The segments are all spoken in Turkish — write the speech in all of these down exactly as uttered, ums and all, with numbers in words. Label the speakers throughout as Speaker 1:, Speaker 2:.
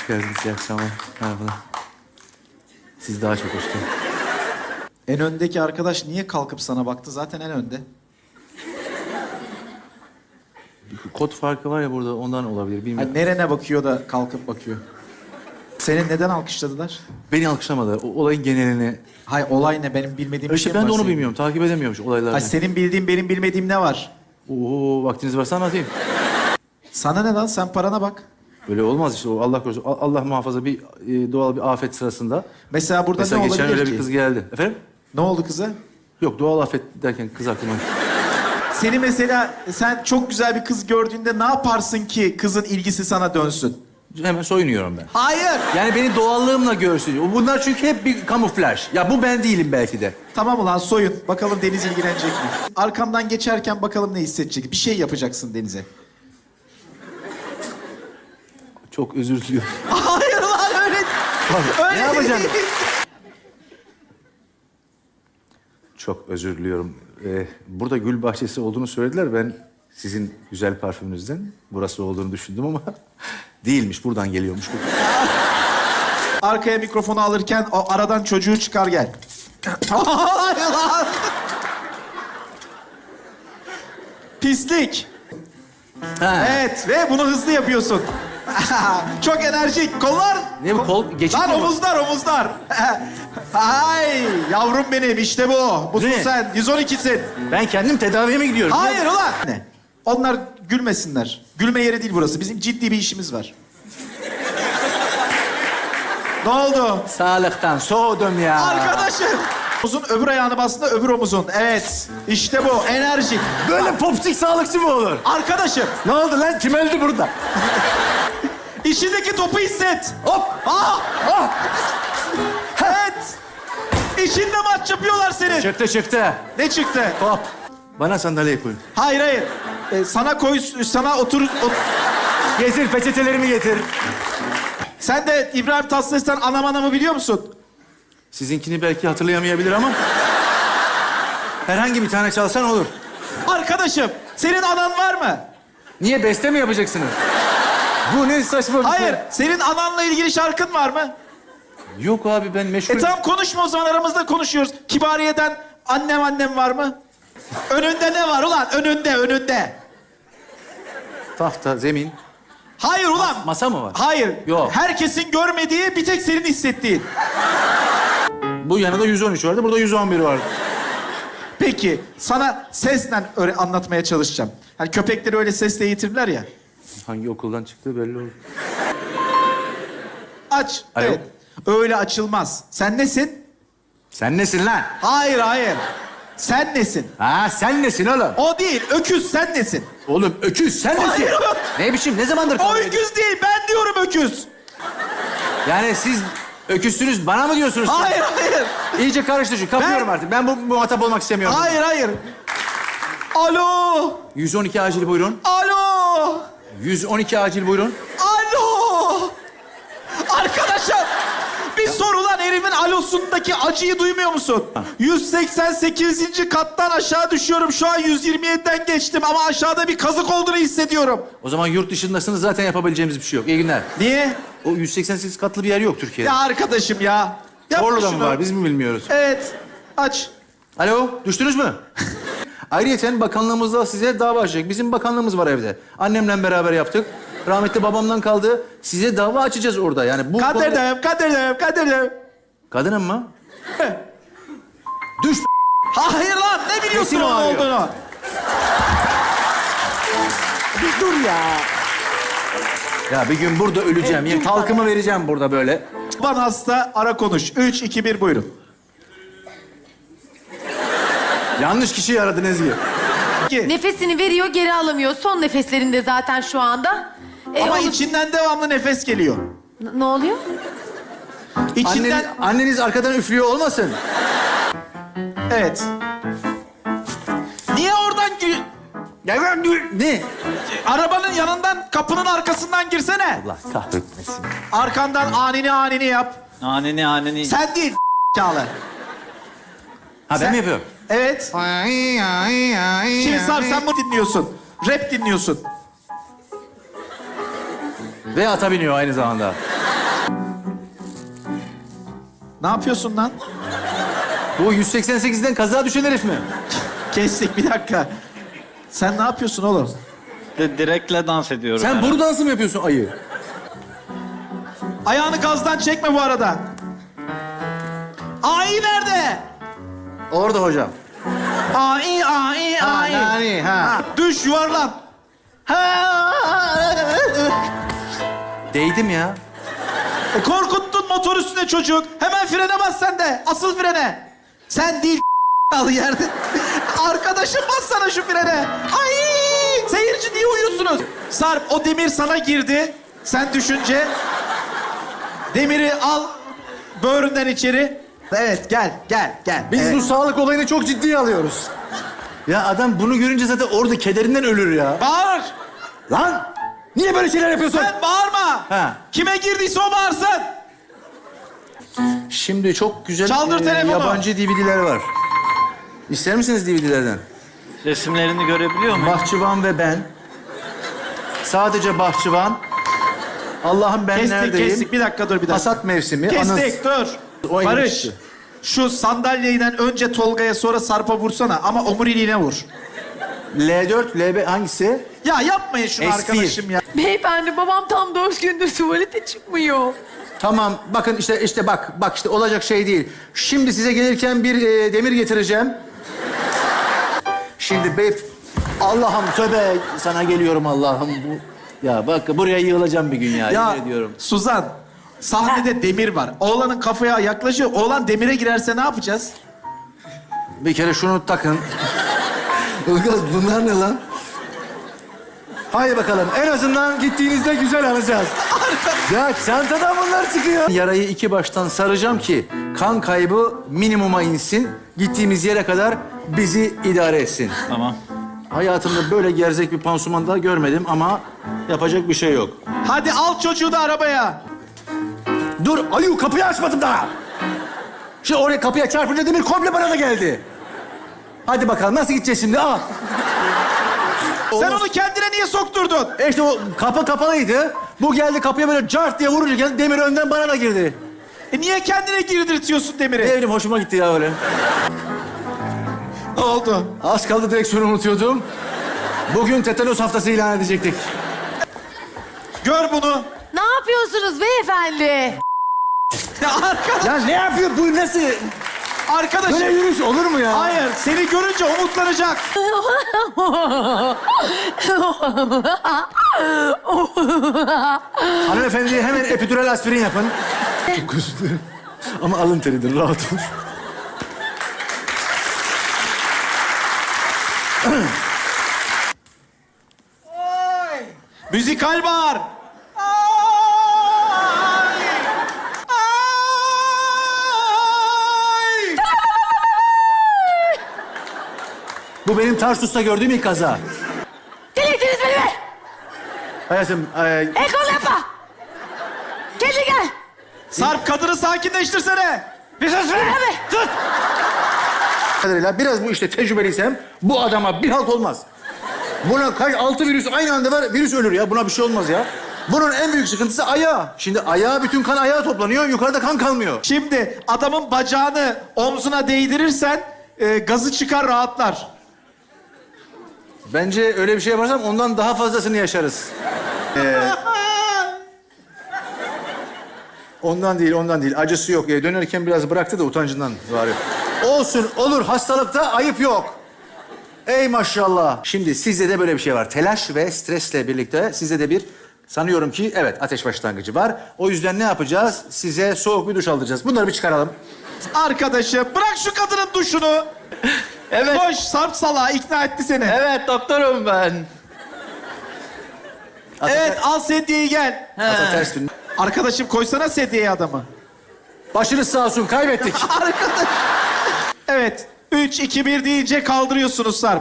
Speaker 1: Hoş geldiniz. İyi akşamlar. Merhabalar. Siz daha çok hoş geldiniz.
Speaker 2: En öndeki arkadaş niye kalkıp sana baktı? Zaten en önde.
Speaker 1: Kod farkı var ya burada, ondan olabilir. Bilmiyorum.
Speaker 2: Hani nerene bakıyor da kalkıp bakıyor? Seni neden alkışladılar?
Speaker 1: Beni alkışlamadılar. O olayın genelini...
Speaker 2: Hay olay ne? Benim bilmediğim bir
Speaker 1: İşte
Speaker 2: şey mi
Speaker 1: ben de
Speaker 2: var
Speaker 1: onu
Speaker 2: senin?
Speaker 1: bilmiyorum. Takip edemiyorum şu olayları.
Speaker 2: Hay senin bildiğin benim bilmediğim ne var?
Speaker 1: Oo, vaktiniz varsa anlatayım.
Speaker 2: Sana ne lan? Sen parana bak.
Speaker 1: Böyle olmaz işte. O Allah korusun. A- Allah muhafaza bir e, doğal bir afet sırasında.
Speaker 2: Mesela burada
Speaker 1: Mesela
Speaker 2: ne
Speaker 1: geçen
Speaker 2: olabilir
Speaker 1: öyle
Speaker 2: ki?
Speaker 1: bir kız geldi. Efendim?
Speaker 2: Ne oldu kıza?
Speaker 1: Yok, doğal afet derken kız aklıma.
Speaker 2: Seni mesela sen çok güzel bir kız gördüğünde ne yaparsın ki kızın ilgisi sana dönsün?
Speaker 1: Hemen soyunuyorum ben.
Speaker 2: Hayır.
Speaker 1: Yani beni doğallığımla görsün. Bunlar çünkü hep bir kamuflaj. Ya bu ben değilim belki de.
Speaker 2: Tamam ulan soyun. Bakalım Deniz ilgilenecek mi? Arkamdan geçerken bakalım ne hissedecek. Bir şey yapacaksın Deniz'e.
Speaker 1: Çok özür diliyorum.
Speaker 2: Hayır lan öyle. Öyle
Speaker 1: Ne yapacaksın?
Speaker 2: değil.
Speaker 1: Çok özür diliyorum. Ee, burada gül bahçesi olduğunu söylediler. Ben sizin güzel parfümünüzden burası olduğunu düşündüm ama değilmiş. Buradan geliyormuş.
Speaker 2: Arkaya mikrofonu alırken o aradan çocuğu çıkar gel. Hayır lan. Pislik.
Speaker 1: Ha.
Speaker 2: Evet ve bunu hızlı yapıyorsun. Çok enerjik. Kollar.
Speaker 1: Ne bu kol? Geçit
Speaker 2: Lan
Speaker 1: mi bu?
Speaker 2: omuzlar omuzlar. Ay yavrum benim işte bu. Busun
Speaker 1: Ne?
Speaker 2: sen. yüz on ikisin.
Speaker 1: Ben kendim tedaviye mi gidiyorum?
Speaker 2: Hayır ulan. Ne? Onlar gülmesinler. Gülme yeri değil burası. Bizim ciddi bir işimiz var. Ne oldu?
Speaker 1: Sağlıktan soğudum ya.
Speaker 2: Arkadaşım. Omuzun öbür ayağını bastığında öbür omuzun. Evet. İşte bu. Enerjik.
Speaker 1: Böyle popsik sağlıkçı mı olur?
Speaker 2: Arkadaşım.
Speaker 1: Ne oldu lan? Kim öldü burada?
Speaker 2: İçindeki topu hisset.
Speaker 1: Hop!
Speaker 2: Ah!
Speaker 1: Ah!
Speaker 2: Evet. İçinde maç yapıyorlar senin.
Speaker 1: Çıktı çıktı.
Speaker 2: Ne çıktı?
Speaker 1: Hop. Bana sandalye koyun.
Speaker 2: Hayır hayır. Ee, sana koy, sana otur. ot-
Speaker 1: Getir, peçetelerimi getir.
Speaker 2: Sen de İbrahim Tatlıses'ten anam anamı biliyor musun?
Speaker 1: Sizinkini belki hatırlayamayabilir ama... herhangi bir tane çalsan olur.
Speaker 2: Arkadaşım, senin anan var mı?
Speaker 1: Niye, beste mi yapacaksınız? Bu ne saçma bir şey.
Speaker 2: Hayır, senin ananla ilgili şarkın var mı?
Speaker 1: Yok abi, ben meşgul...
Speaker 2: E tamam konuşma o zaman, aramızda konuşuyoruz. Kibariye'den annem annem var mı? Önünde ne var ulan? Önünde, önünde.
Speaker 1: Tahta, zemin.
Speaker 2: Hayır ulan.
Speaker 1: Masa mı var?
Speaker 2: Hayır.
Speaker 1: Yok.
Speaker 2: Herkesin görmediği, bir tek senin hissettiğin.
Speaker 1: Bu yanında yüz on üç vardı, burada yüz on bir vardı.
Speaker 2: Peki, sana sesle öyle anlatmaya çalışacağım. Hani köpekleri öyle sesle eğitirler ya.
Speaker 1: Hangi okuldan çıktığı belli olur.
Speaker 2: Aç.
Speaker 1: Alo.
Speaker 2: Evet. Öyle açılmaz. Sen nesin?
Speaker 1: Sen nesin lan?
Speaker 2: Hayır, hayır. Sen nesin?
Speaker 1: Ha, sen nesin oğlum?
Speaker 2: O değil, öküz sen nesin?
Speaker 1: Oğlum öküz, sen nesin?
Speaker 2: Hayır oğlum.
Speaker 1: Ne biçim, ne zamandır
Speaker 2: O
Speaker 1: kavga ediyorsun?
Speaker 2: öküz değil, ben diyorum öküz.
Speaker 1: Yani siz öküzsünüz, bana mı diyorsunuz?
Speaker 2: Hayır, hayır.
Speaker 1: İyice karıştı şu, kapıyorum
Speaker 2: Ben-
Speaker 1: artık. Ben bu muhatap olmak istemiyorum.
Speaker 2: Hayır, hayır. Alo.
Speaker 1: yüz on iki acil buyurun.
Speaker 2: Alo.
Speaker 1: yüz on iki acil buyurun.
Speaker 2: Alo. Arkadaşım. Bir sor ulan, herifin alosundaki acıyı duymuyor musun? yüz seksen sekizinci kattan aşağı düşüyorum. Şu an yüz yirmi yediden geçtim ama aşağıda bir kazık olduğunu hissediyorum.
Speaker 1: O zaman yurt dışındasınız, zaten yapabileceğimiz bir şey yok. İyi günler.
Speaker 2: Niye?
Speaker 1: O yüz seksen sekiz katlı bir yer yok Türkiye'de.
Speaker 2: Ya arkadaşım ya. Yapma
Speaker 1: Orada mı
Speaker 2: şunu.
Speaker 1: var, biz mi bilmiyoruz?
Speaker 2: Evet. Aç.
Speaker 1: Alo, düştünüz mü? Ayrıyeten bakanlığımızda size dava açacak. Bizim bakanlığımız var evde. Annemle beraber yaptık. Rahmetli babamdan kaldı. Size dava açacağız orada. Yani bu...
Speaker 2: Kadir'im, Kadir'im, Kadir'im.
Speaker 1: Kadının mı? Düş.
Speaker 2: Hayır lan, ne biliyorsun
Speaker 1: Kesin
Speaker 2: onun
Speaker 1: ağrıyor.
Speaker 2: olduğunu?
Speaker 1: Bir dur ya. Ya bir gün burada öleceğim. Ya, talkımı vereceğim burada böyle.
Speaker 2: Baban hasta, ara konuş. Üç, iki, bir, buyurun.
Speaker 1: Yanlış kişiyi aradın Ezgi.
Speaker 2: İki.
Speaker 3: Nefesini veriyor, geri alamıyor. Son nefeslerinde zaten şu anda. E,
Speaker 2: Ama
Speaker 3: onu-
Speaker 2: içinden devamlı nefes geliyor.
Speaker 3: N- ne oluyor?
Speaker 2: İçinden...
Speaker 1: Anneniz, anneniz arkadan üflüyor olmasın?
Speaker 2: Evet. Niye oradan gü-
Speaker 1: Ya ben dur. Ne?
Speaker 2: arabanın yanından, kapının arkasından girsene.
Speaker 1: Allah kahretmesin.
Speaker 2: Arkandan anini anini yap.
Speaker 4: Aneni aneni.
Speaker 2: Sen değil Çağla.
Speaker 1: Ha ben
Speaker 2: Sen-
Speaker 1: mi yapıyorum?
Speaker 2: Evet. Şimdi Sarp sen mi dinliyorsun? Rap dinliyorsun.
Speaker 1: Ve ata biniyor aynı zamanda.
Speaker 2: Ne yapıyorsun lan?
Speaker 1: Bu yüz seksen sekizden kaza düşen herif mi?
Speaker 2: Kestik bir dakika. Sen ne yapıyorsun oğlum?
Speaker 4: De, direkle dans ediyorum.
Speaker 1: Sen
Speaker 4: herhalde.
Speaker 1: boru dansı mı yapıyorsun ayı?
Speaker 2: Ayağını gazdan çekme bu arada. Ai nerede?
Speaker 1: Orada hocam.
Speaker 2: Ai, ai,
Speaker 1: Ha,
Speaker 2: ai.
Speaker 1: nani, ha.
Speaker 2: Ha, düş, yuvarlan.
Speaker 1: Değdim ya.
Speaker 2: E, korkuttun motor üstüne çocuk. Hemen frene bas sen de. Asıl frene. Sen değil al yerde. Arkadaşım bassana şu frene. Ay! Seyirci niye uyuyorsunuz? Sarp o demir sana girdi. Sen düşünce. Demiri al böğründen içeri. Evet gel gel gel.
Speaker 1: Biz
Speaker 2: Evet.
Speaker 1: bu sağlık olayını çok ciddiye alıyoruz. Ya adam bunu görünce zaten orada kederinden ölür ya.
Speaker 2: Bağır.
Speaker 1: Lan! Niye böyle şeyler yapıyorsun?
Speaker 2: Sen bağırma.
Speaker 1: Ha.
Speaker 2: Kime girdiyse o bağırsın.
Speaker 1: Şimdi çok güzel
Speaker 2: Çaldır telefonu.
Speaker 1: yabancı D V D'ler var. İster misiniz D V D'lerden?
Speaker 4: Resimlerini görebiliyor muyum?
Speaker 1: Bahçıvan ve ben. Sadece bahçıvan. Allah'ım ben
Speaker 2: Kestik
Speaker 1: neredeyim?
Speaker 2: kestik. Bir dakika dur bir dakika.
Speaker 1: Hasat mevsimi.
Speaker 2: Kestik dur.
Speaker 1: O
Speaker 2: Barış.
Speaker 1: elbise.
Speaker 2: Şu sandalyeden önce Tolga'ya sonra Sarp'a vursana ama omuriliğine vur.
Speaker 1: L dört, L beş hangisi?
Speaker 2: Ya yapmayın şunu
Speaker 1: S bir.
Speaker 2: arkadaşım ya.
Speaker 3: Beyefendi babam tam dört gündür tuvalete çıkmıyor.
Speaker 1: Tamam bakın işte işte bak bak işte olacak şey değil. Şimdi size gelirken bir e, demir getireceğim. Şimdi bey Allah'ım tövbe sana geliyorum Allah'ım bu. Ya bak buraya yığılacağım bir gün ya,
Speaker 2: Ya
Speaker 1: yemin ediyorum.
Speaker 2: Suzan, sahnede demir var. Oğlanın kafaya yaklaşıyor. Oğlan demire girerse ne yapacağız?
Speaker 1: Bir kere şunu takın. Ilgaz bunlar ne lan? Haydi bakalım en azından gittiğinizde güzel alacağız. Ya çantadan bunlar çıkıyor. Yarayı iki baştan saracağım ki kan kaybı minimuma insin. Gittiğimiz yere kadar bizi idare etsin.
Speaker 4: Tamam.
Speaker 1: Hayatımda böyle gerzek bir pansuman daha görmedim ama yapacak bir şey yok.
Speaker 2: Hadi al çocuğu da arabaya.
Speaker 1: Dur ayu kapıyı açmadım daha. Şimdi oraya kapıya çarpınca demir komple bana da geldi. Hadi bakalım nasıl gideceğiz şimdi al.
Speaker 2: Sen onu kendine niye sokturdun?
Speaker 1: E işte o kapı kapalıydı. Bu geldi kapıya böyle cart diye vurunca geldi, demir önden bana da girdi.
Speaker 2: E niye kendine girdirtiyorsun demiri?
Speaker 1: Ne bileyim hoşuma gitti ya öyle.
Speaker 2: Ne oldu?
Speaker 1: Az kaldı direksiyonu unutuyordum. Bugün tetanos haftası ilan edecektik.
Speaker 2: Gör bunu.
Speaker 3: Ne yapıyorsunuz beyefendi?
Speaker 2: Ya arkadaş,
Speaker 1: Ya ne yapıyor bu nasıl?
Speaker 2: arkadaşım.
Speaker 1: Böyle yürüyüş olur mu ya?
Speaker 2: Hayır, seni görünce umutlanacak.
Speaker 1: Hanımefendi hemen epidural aspirin yapın. Çok özür dilerim. Ama alın teridir rahat ol.
Speaker 2: Müzikal bağır.
Speaker 1: Bu benim Tarsus'ta gördüğüm ilk kaza.
Speaker 3: Delirtiniz beni be!
Speaker 1: Hayatım, e,
Speaker 3: Ekol yapma! Kendi gel!
Speaker 2: Sarp kadını sakinleştirsene.
Speaker 4: Bir sus be! Sus!
Speaker 1: kadarıyla biraz bu işte tecrübeliysem bu adama bir halt olmaz. Buna kaç altı virüs aynı anda var, virüs ölür ya. Buna bir şey olmaz ya. Bunun en büyük sıkıntısı ayağı. Şimdi ayağa bütün kan ayağa toplanıyor, yukarıda kan kalmıyor.
Speaker 2: Şimdi adamın bacağını omzuna değdirirsen e, gazı çıkar rahatlar.
Speaker 1: Bence öyle bir şey yaparsam ondan daha fazlasını yaşarız. Ee, ondan değil, ondan değil. Acısı yok. Ee, dönerken biraz bıraktı da utancından var. Olsun, olur. Hastalıkta ayıp yok. Ey maşallah. Şimdi sizde de böyle bir şey var. Telaş ve stresle birlikte sizde de bir sanıyorum ki evet ateş başlangıcı var. O yüzden ne yapacağız? Size soğuk bir duş aldıracağız. Bunları bir çıkaralım.
Speaker 2: Arkadaşım bırak şu kadının duşunu.
Speaker 4: Evet.
Speaker 2: Koş Sarp salağı ikna etti seni.
Speaker 4: Evet doktorum ben.
Speaker 2: Evet al sedyeyi gel.
Speaker 1: Ata ters dön.
Speaker 2: Arkadaşım koysana sedyeyi adamı.
Speaker 1: Başınız sağ olsun. Kaybettik.
Speaker 2: Arkadaş. Evet. Üç, iki, bir deyince kaldırıyorsunuz Sarp.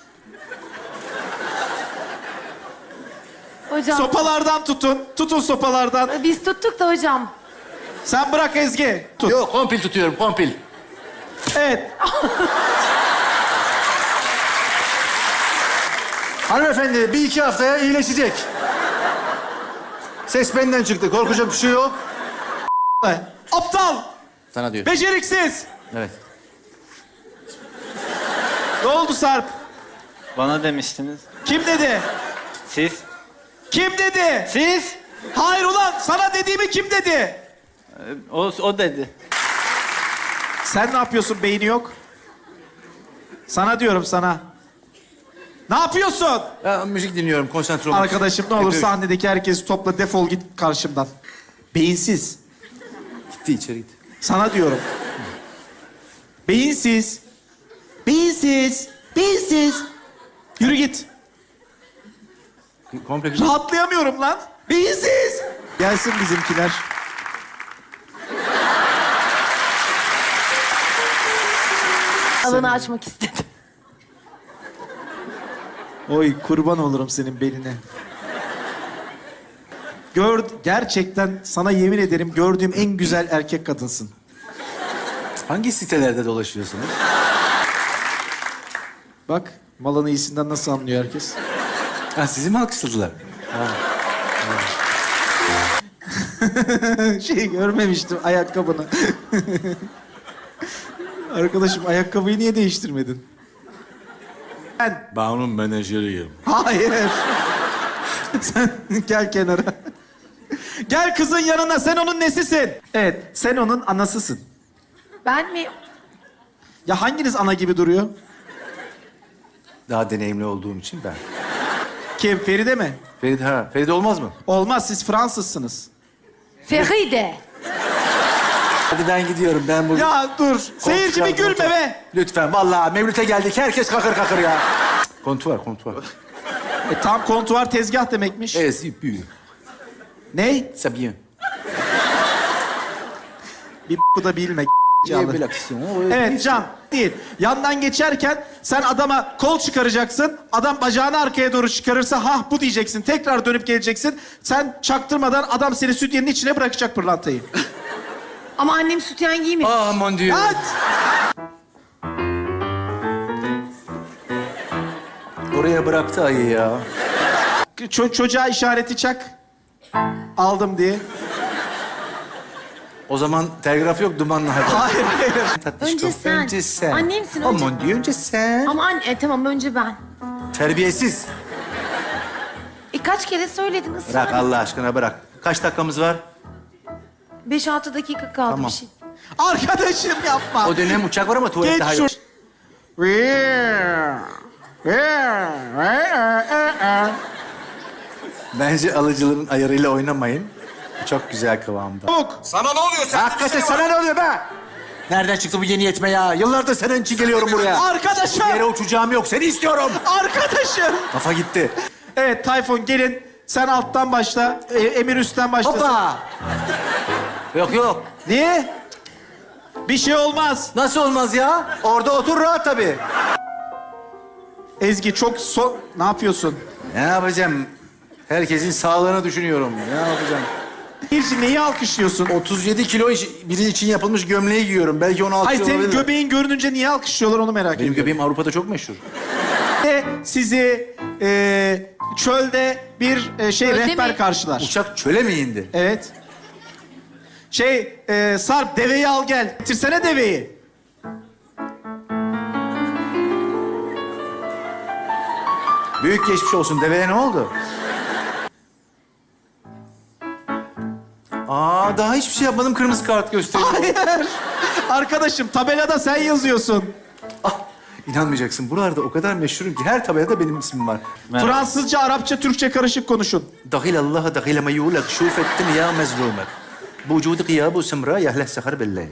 Speaker 3: Hocam
Speaker 2: Sopalardan tutun. Tutun sopalardan.
Speaker 3: biz tuttuk da hocam.
Speaker 2: Sen bırak Ezgi. Tut.
Speaker 1: Yok, kompil tutuyorum, kompil.
Speaker 2: Evet.
Speaker 1: Hanımefendi bir iki haftaya iyileşecek. Ses benden çıktı. Korkacak bir şey yok.
Speaker 2: Aptal.
Speaker 1: Sana diyor.
Speaker 2: Beceriksiz.
Speaker 1: Evet.
Speaker 2: Ne oldu Sarp?
Speaker 4: Bana demiştiniz.
Speaker 2: Kim dedi?
Speaker 4: Siz?
Speaker 2: Kim dedi?
Speaker 4: Siz?
Speaker 2: Hayır ulan sana dediğimi kim dedi?
Speaker 4: Ee, O, o dedi.
Speaker 2: Sen ne yapıyorsun beyni yok? Sana diyorum sana. Ne yapıyorsun?
Speaker 1: Ya, müzik dinliyorum, konsantre olmak.
Speaker 2: Arkadaşım ne olur
Speaker 1: Yapıyor.
Speaker 2: sahnedeki herkesi topla defol git karşımdan. Beyinsiz.
Speaker 1: Gitti içeri gitti.
Speaker 2: Sana diyorum. Beyinsiz. Beyinsiz. Beyinsiz. Yürü git.
Speaker 1: Komple gitti.
Speaker 2: Rahatlayamıyorum lan. Beyinsiz. Gelsin bizimkiler.
Speaker 3: Alanı açmak istedim.
Speaker 2: Oy kurban olurum senin beline. Gör, gerçekten sana yemin ederim gördüğüm en güzel erkek kadınsın.
Speaker 1: Hangi sitelerde dolaşıyorsunuz?
Speaker 2: Bak malın iyisinden nasıl anlıyor herkes.
Speaker 1: Ha, sizi mi alkışladılar?
Speaker 2: Şey görmemiştim ayakkabını. Arkadaşım ayakkabıyı niye değiştirmedin? Ben.
Speaker 1: Ben onun menajeriyim.
Speaker 2: Hayır. Sen gel kenara. Gel kızın yanına sen onun nesisin? Evet sen onun anasısın.
Speaker 3: Ben mi?
Speaker 2: Ya hanginiz ana gibi duruyor?
Speaker 1: Daha deneyimli olduğum için ben.
Speaker 2: Kim Feride mi?
Speaker 1: Feride, ha. Feride olmaz mı?
Speaker 2: Olmaz siz Fransızsınız.
Speaker 3: Feride.
Speaker 1: Hadi ben gidiyorum. Ben burada...
Speaker 2: Ya dur. Seyirci bir gülme be.
Speaker 1: Lütfen. Vallahi Mevlüt'e geldik. Herkes kakır kakır ya. Kontuar, kontuar.
Speaker 2: E, tam kontuar tezgah demekmiş.
Speaker 1: Evet, c'est bien.
Speaker 2: Ney?
Speaker 1: C'est bien.
Speaker 2: Bir bu da bilme.
Speaker 1: Il y a belle action.
Speaker 2: Evet Can değil. Yandan geçerken sen adama kol çıkaracaksın. Adam bacağını arkaya doğru çıkarırsa hah bu diyeceksin. Tekrar dönüp geleceksin. Sen çaktırmadan adam seni sütyenin içine bırakacak pırlantayı.
Speaker 3: Ama annem sütyen giymiyor.
Speaker 1: Ah mon dieu.
Speaker 2: At!
Speaker 1: Oraya bıraktı ayı ya.
Speaker 2: Ço- çocuğa işareti çak. Aldım diye.
Speaker 1: O zaman telgraf yok, dumanla haber.
Speaker 2: Hayır hayır.
Speaker 1: Tatlışkom,
Speaker 3: Önce sen.
Speaker 1: Önce sen.
Speaker 3: Annemsin,
Speaker 1: Oh
Speaker 3: önce-
Speaker 1: mon dieu, önce sen.
Speaker 3: Ama anne, e, tamam önce ben.
Speaker 1: Terbiyesiz.
Speaker 3: E kaç kere söyledin ısrar.
Speaker 1: Bırak Allah aşkına bırak. Kaç dakikamız var?
Speaker 3: Beş altı dakika kaldı
Speaker 1: Tamam.
Speaker 3: bir şey.
Speaker 2: Arkadaşım yapma.
Speaker 1: O dönem uçak var ama tuvalette
Speaker 2: Geç
Speaker 1: hayır.
Speaker 2: şu...
Speaker 1: Bence alıcıların ayarıyla oynamayın. Çok güzel kıvamda.
Speaker 2: Çabuk.
Speaker 5: Sana ne oluyor? Sen
Speaker 1: Hakikaten sana ne oluyor be? Nereden çıktı bu yeni yetme ya? Yıllardır senin için geliyorum buraya.
Speaker 2: Arkadaşım.
Speaker 1: Bir yere uçacağım yok. Seni istiyorum.
Speaker 2: Arkadaşım.
Speaker 1: Kafa gitti.
Speaker 2: Evet Tayfun gelin. Sen alttan başla. e, Emir üstten başlasın.
Speaker 1: Hoppa. Yok yok.
Speaker 2: Niye? Bir şey olmaz.
Speaker 1: Nasıl olmaz ya? Orada otur rahat tabii.
Speaker 2: Ezgi çok so... Ne yapıyorsun?
Speaker 1: Ne yapacağım? Herkesin sağlığını düşünüyorum. Ne yapacağım?
Speaker 2: Birci neyi alkışlıyorsun?
Speaker 1: otuz yedi kilo iş- biri için yapılmış gömleği giyiyorum. Belki onu
Speaker 2: Hayır
Speaker 1: alkışlıyor
Speaker 2: senin
Speaker 1: olabilir.
Speaker 2: göbeğin görününce niye alkışlıyorlar onu merak
Speaker 1: Benim
Speaker 2: ediyorum.
Speaker 1: göbeğim Avrupa'da çok meşhur.
Speaker 2: Ve sizi e, çölde bir e, şey
Speaker 3: Çölde
Speaker 2: rehber
Speaker 3: mi?
Speaker 2: karşılar.
Speaker 1: Uçak çöle mi indi?
Speaker 2: Evet. Şey e, Sarp deveyi al gel. Getirsene deveyi.
Speaker 1: Büyük geçmiş olsun. Deveye ne oldu? Aa daha hiçbir şey yapmadım. Kırmızı kart gösteriyor.
Speaker 2: Hayır. Arkadaşım tabelada sen yazıyorsun.
Speaker 1: Ah, inanmayacaksın. Buralarda o kadar meşhurum ki her tabelada benim ismim var.
Speaker 4: Merhaba.
Speaker 2: Fransızca, Arapça, Türkçe karışık konuşun.
Speaker 1: Dahil Allah'a dahil ma yulak şuf ettin ya mezlumek. Bu vücudu gıyabu semra yahleh sehar billahi.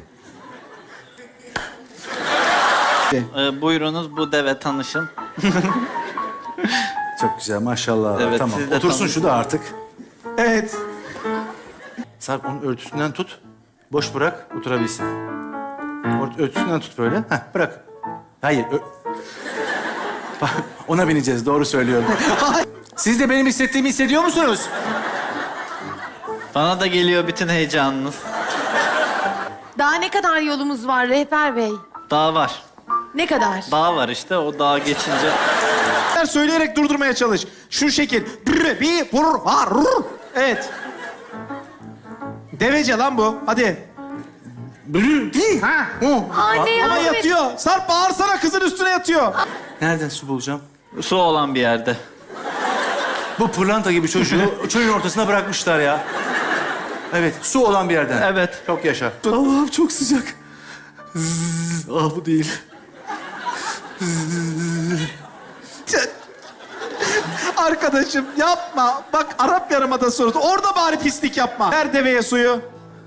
Speaker 4: Ee, buyurunuz bu deve tanışın.
Speaker 1: Çok güzel maşallah.
Speaker 4: Evet,
Speaker 1: tamam.
Speaker 4: siz de
Speaker 1: Otursun
Speaker 4: tanışın.
Speaker 1: şu da artık.
Speaker 2: Evet.
Speaker 1: Sarp onun örtüsünden tut. Boş bırak oturabilsin. Ort- Örtüsünden tut böyle. Heh, bırak. Hayır. ö- Bak, ona bineceğiz. Doğru söylüyorum. Siz de benim hissettiğimi hissediyor musunuz?
Speaker 4: Bana da geliyor bütün heyecanınız.
Speaker 3: Daha ne kadar yolumuz var rehber bey?
Speaker 4: Dağ var.
Speaker 3: Ne kadar?
Speaker 4: Dağ var işte. O dağa geçince...
Speaker 2: Söyleyerek durdurmaya çalış. Şu şekil. Brr, bir, vur, var, rur. Evet. Devece lan bu. Hadi.
Speaker 1: Bülü değil ha. O.
Speaker 3: Anne
Speaker 2: Ama
Speaker 3: yardım et.
Speaker 2: yatıyor. Sarp bağırsana, kızın üstüne yatıyor.
Speaker 1: Nereden su bulacağım?
Speaker 4: Su olan bir yerde.
Speaker 1: Bu pırlanta gibi çocuğu çölün ortasına bırakmışlar ya. Evet, su olan bir yerden.
Speaker 4: Evet.
Speaker 1: Çok yaşa. Allah'ım çok sıcak. Zzz, ah bu değil.
Speaker 2: Arkadaşım yapma. Bak Arap Yarımadası orası. Orada bari pislik yapma. Ver deveye suyu.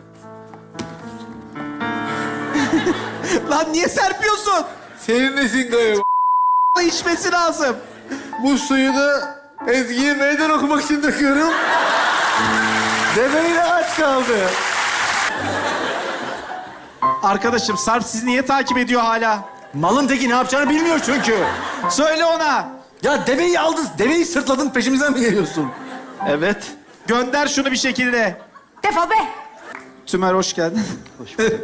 Speaker 2: Lan niye serpiyorsun?
Speaker 1: Senin nesin galiba?
Speaker 2: İçmesi lazım.
Speaker 1: Bu suyu da Ezgi'ye meydan okumak için döküyorum. Deveyle aç kaldı.
Speaker 2: Arkadaşım Sarp sizi niye takip ediyor hala?
Speaker 1: Malın teki ne yapacağını bilmiyor çünkü.
Speaker 2: Söyle ona.
Speaker 1: Ya deveyi aldın, deveyi sırtladın, peşimizden mi geliyorsun?
Speaker 4: Evet.
Speaker 2: Gönder şunu bir şekilde.
Speaker 3: Defol be.
Speaker 2: Tümer hoş geldin. Hoş bulduk.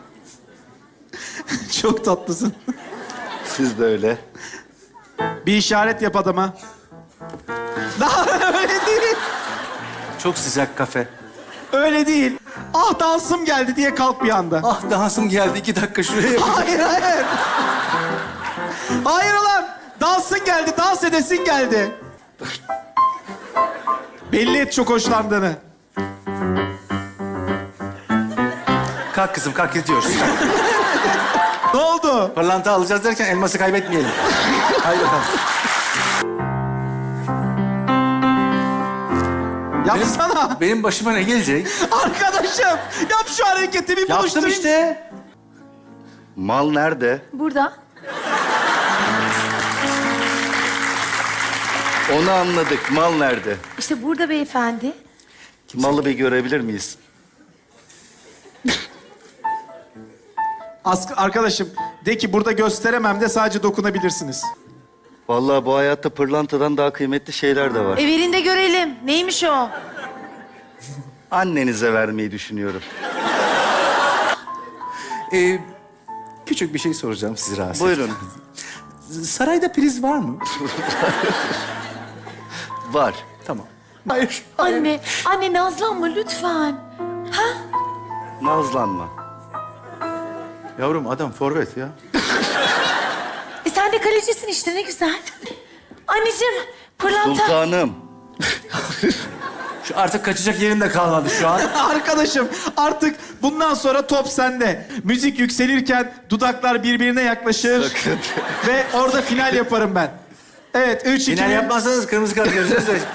Speaker 2: Çok tatlısın.
Speaker 5: Siz de öyle.
Speaker 2: Bir işaret yap adama. Daha öyle değil.
Speaker 1: Çok sıcak kafe.
Speaker 2: Öyle değil. Ah dansım geldi diye kalk bir anda.
Speaker 1: Ah dansım geldi, iki dakika şuraya yapayım.
Speaker 2: Hayır hayır. Hayır ulan. Dansın geldi, dans edesin geldi. Belli et çok hoşlandığını.
Speaker 1: Kalk kızım, kalk gidiyoruz.
Speaker 2: Ne oldu?
Speaker 1: Pırlanta alacağız derken elması kaybetmeyelim. Haydi bakalım.
Speaker 2: Yapsana.
Speaker 1: Benim başıma ne gelecek?
Speaker 2: Arkadaşım yap şu hareketi bir
Speaker 1: Yaptım
Speaker 2: buluşturayım.
Speaker 1: işte.
Speaker 5: Mal nerede?
Speaker 3: Burada.
Speaker 5: Onu anladık. Mal nerede?
Speaker 3: İşte burada beyefendi.
Speaker 5: Malı bir görebilir miyiz?
Speaker 2: As- arkadaşım de ki burada gösteremem de sadece dokunabilirsiniz.
Speaker 5: Vallahi bu hayatta pırlantadan daha kıymetli şeyler de var.
Speaker 3: Evinde görelim. Neymiş o?
Speaker 5: Annenize vermeyi düşünüyorum.
Speaker 1: Ee, küçük bir şey soracağım sizi rahatsız.
Speaker 5: Buyurun.
Speaker 1: Sarayda priz var mı?
Speaker 5: Var.
Speaker 1: Tamam. Hayır.
Speaker 3: Anne, anne nazlanma lütfen. Ha?
Speaker 5: Nazlanma.
Speaker 1: Yavrum adam forvet ya.
Speaker 3: E sen de kalecisin işte ne güzel. Anneciğim, pırlanta.
Speaker 5: Sultanım.
Speaker 1: Şu artık kaçacak yerim de kalmadı şu an.
Speaker 2: Arkadaşım artık bundan sonra top sende. Müzik yükselirken dudaklar birbirine yaklaşır.
Speaker 5: Sakın.
Speaker 2: Ve orada final yaparım ben. Evet, üç, iki,
Speaker 1: Final
Speaker 2: bir.
Speaker 1: yapmazsanız kırmızı kart göreceğiz de.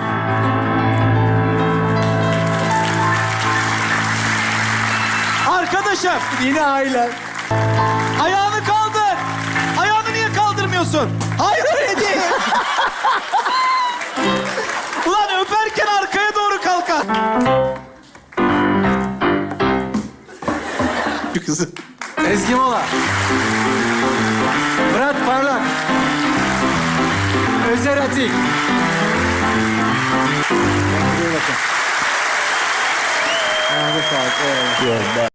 Speaker 2: Arkadaşım
Speaker 1: Yine aile.
Speaker 2: ayağını kaldır. Ayağını niye kaldırmıyorsun? Hayır öyle değil. Ulan öperken arkaya doğru kalkar. Şu kızı.
Speaker 1: Ezgi Mola. Murat Parlak. Özer Atik. Kendinize bakın. Ayağınıza sağlık. Eyvallah.